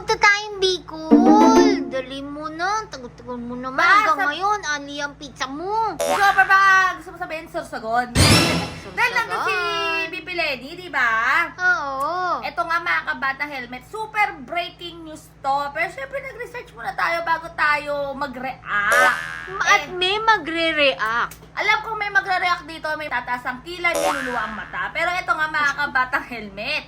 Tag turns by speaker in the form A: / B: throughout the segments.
A: Punta tayong Bicol. Dali mo na. Tagal-tagal mo naman. Hanggang ngayon, ali ang pizza mo.
B: Super ba? Gusto mo sabihin, Sorsogon? Dahil nandun si BP Lenny, di ba?
A: Oo.
B: Ito nga mga kabata helmet, super breaking news to. Pero syempre nag-research muna tayo bago tayo mag-react.
A: At may magre-react.
B: Alam kong may magre-react dito, may tataas ang kilay, niluluwa ang mata. Pero ito nga mga kabatang helmet.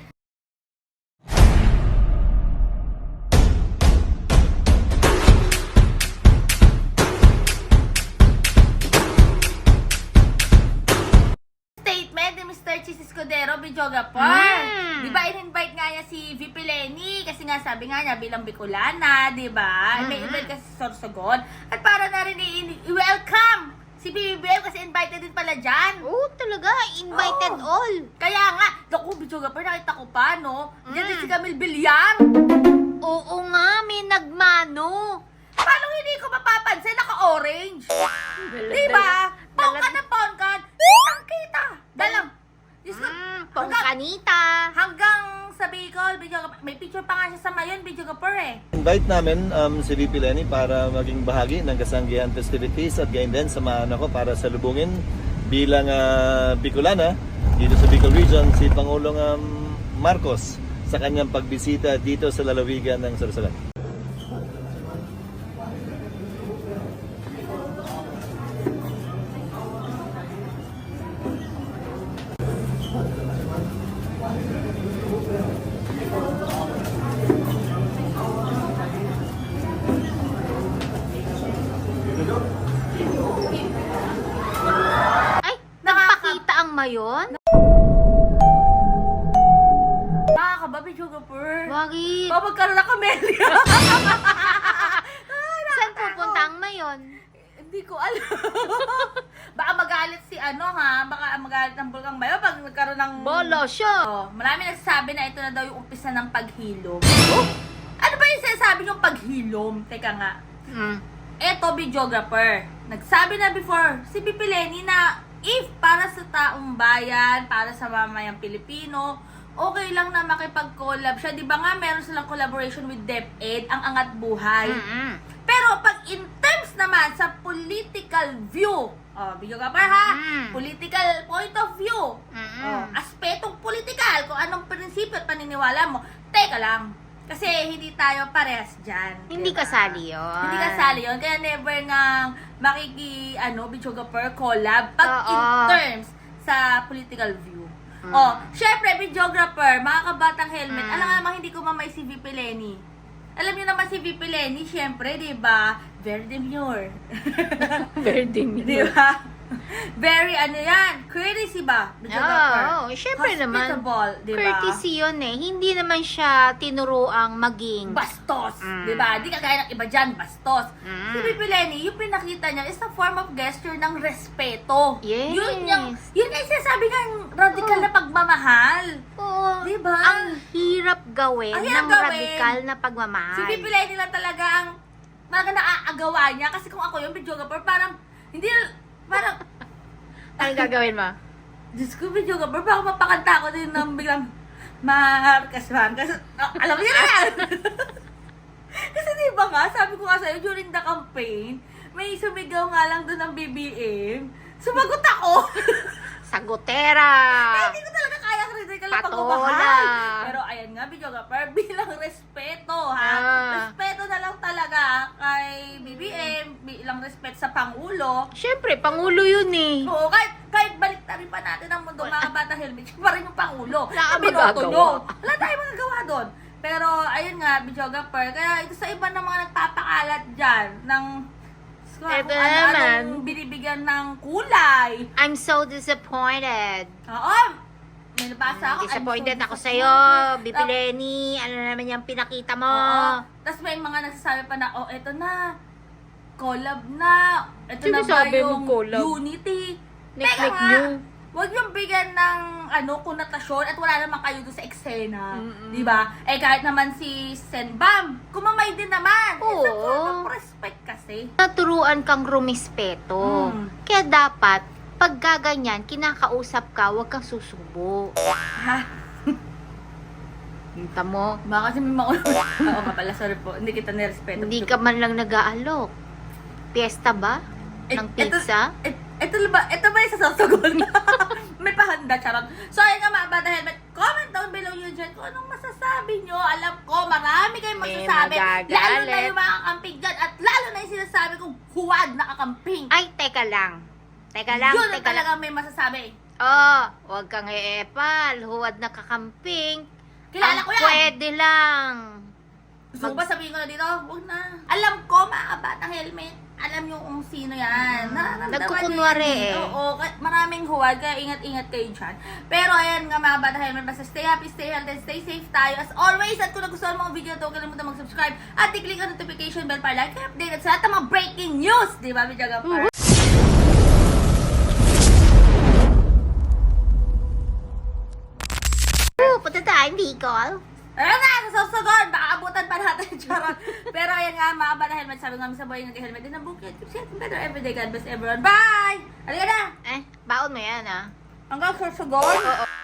B: Statement ni Mr. Cheese Escudero, videographer. Di ba in-invite nga niya si VP Lenny? Kasi nga sabi nga niya bilang Bicolana, di ba? May invite kasi si Sorsogon. At para na rin i-welcome si BBM kasi invited din pala dyan.
A: Oo, talaga. Invited all.
B: Kaya nga, naku, videographer, nakita ko pa, no? Diyan din si Camille Villar.
A: Oo nga, may nagmano.
B: Paano hindi ko mapapansin? Naka-orange. Di ba? Pongkan na pongkan. Kitang-kita. Dalang. Diyos ko,
A: Pongkanita.
B: hanggang sa Bicol, may picture pa nga siya sa Mayon, videographer eh.
C: Invite namin si VP Lenny para maging bahagi ng kasanggihan festivities at gayon din samahan ako para salubungin bilang Bicolana dito sa Bicol Region si Pangulong Marcos sa kanyang pagbisita dito sa lalawigan ng Sorsogon.
A: Ay, nagpakita ang mayon?
B: Nakakaba, videographer.
A: Bakit?
B: Magkaroon na Camellia.
A: Saan pupunta ang mayon?
B: Hindi ko alam. Baka magalit si baka magalit ng Bulkang Mayo pag nagkaroon ng...
A: Bolo siya.
B: Oh, marami nagsasabi na ito na daw yung umpisa ng paghilom. Ano ba yung sinasabi yung paghilom? Teka nga. Eto, videographer. Nagsabi na before si BP Lenny na if para sa taong bayan, para sa mamayang Pilipino, okay lang na makipag-collab siya. Di ba nga meron silang collaboration with DepEd, ang Angat Buhay. Pero pag in terms naman sa political view, videographer ha, political point of view, aspetong political, kung anong prinsipyo at paniniwala mo, teka lang. Kasi hindi tayo parehas dyan.
A: Hindi
B: diba?
A: kasali yun.
B: Hindi kasali yun. Kaya never nga videographer collab pag in terms sa political view. Syempre, videographer, mga kabatang helmet, alam nga naman hindi ko mamay si VP Lenny. Alam niyo naman si VP Lenny, syempre, di ba? Very demure.
A: Very demure.
B: Di ba? Very yan, courtesy ba?
A: Oo, syempre naman.
B: Hospitable, di ba?
A: Courtesy yun eh. Hindi naman siya tinuruang maging
B: Bastos, di ba? Di kagaya ng iba dyan, bastos. Si VP Lenny, yung pinakita niya is a form of gesture ng respeto.
A: Yes.
B: Yun yung sinasabi nga radical na pagmamahal.
A: Oo.
B: Di ba?
A: Ang hirap gawin
B: Ang hirap
A: ng
B: gawin.
A: radikal na pagmamahal.
B: Si VP Lenny lang talaga ang naaagawa niya. Kasi kung ako yung videographer, parang
A: Anong gagawin mo?
B: Diyos ko, videographer, baka mapakanta ko din ng biglang Marcas. Alam mo yun na yan! Kasi diba nga, sabi ko nga sa'yo, during the campaign, may sumigaw nga lang doon ng BBM. Sumagot ako!
A: Sagutera!
B: Hindi ko talaga kaya critical na
A: Patola.
B: pagmamahal. Pero ayan nga, videographer, bilang respeto, ha? Respeto na lang talaga kay BBM, bilang respeto sa Pangulo.
A: Siyempre, Pangulo yun eh.
B: Oo, kahit baliktarin pa natin ang mundo, mga bata helmet, siya pa rin yung Pangulo.
A: Wala kang
B: Binoto
A: magagawa.
B: nyo. Wala tayong magagawa doon. Pero, ayun nga, videographer, kaya ito sa iba ng mga nagpapakalat dyan, ng
A: Ito
B: anong binibigyan ng kulay.
A: I'm so disappointed.
B: Oo, may nabasa ako.
A: Disappointed
B: I'm so
A: ako sa'yo,
B: disappointed.
A: BP Lenny. Ano naman yung pinakita mo?
B: Oo. Tapos may mga nagsasabi pa na, eto na, collab na. Ito
A: Sino
B: na ba
A: sabi mo
B: yung
A: collab?
B: unity?
A: Nek-nek
B: Teka nga,
A: nyo.
B: huwag yung bigyan ng konotasyon at wala naman kayo doon sa eksena. Di ba? Eh kahit naman si Senbam, kumamay din naman.
A: Oo.
B: It's a form of respect kasi.
A: Naturuan kang rumispeto. Kaya dapat, pag gaganyan, kinakausap ka, huwag kang susubo.
B: Ha?
A: Kita mo,
B: Baka kasi may makulo. Oo nga pala, sorry po. Hindi kita nirespeto.
A: hindi ka man lang nag-aalok. Piyesta ba? Ng pizza?
B: Ito ba yung sasasagot na? May pahanda, charot. So, ayun nga mga bata helmet. Comment down below yun dyan kung anong masasabi nyo. Alam ko, marami kayong
A: May
B: masasabi.
A: magagalit.
B: Lalo na yung mga kakamping dyan. At lalo na yung sinasabi kong huwag na kakamping.
A: Ay, teka lang. Teka lang,
B: Yun ang
A: teka lang.
B: talagang may masasabi.
A: Oh, huwag kang e-epal. Huwad na kakamping.
B: Kilala
A: Ang
B: ko yan.
A: pwede lang.
B: Gusto ko ba sabihin ko na dito? Huwag na. Alam ko, mga batang helmet. Alam nyo kung sino yan. Nararamdaman
A: Nagkukunwari
B: nyo yan
A: eh.
B: Oo, maraming huwag. Kaya ingat-ingat kayo dyan. Pero ayan nga mga batang helmet. Basta stay happy, stay healthy, stay safe tayo. As always, at kung nagustuhan mo ang video na ito, huwag kalimutan mag-subscribe at i-click ang notification bell para like, update at sa lahat ng mga breaking news. Di ba, Video Gapper?
A: Punta tayo, Bicol.
B: Ayun na, sa susunod, baka abutan pa natin, charot. Pero ayan nga, mga bata helmet, sabi nga sa buhay nag-helmet din ang bukid. Keep safe and better everyday. God bless everyone. Bye! Halika na!
A: Baon mo yan, ah.
B: Hanggang sa susunod.
A: Oo.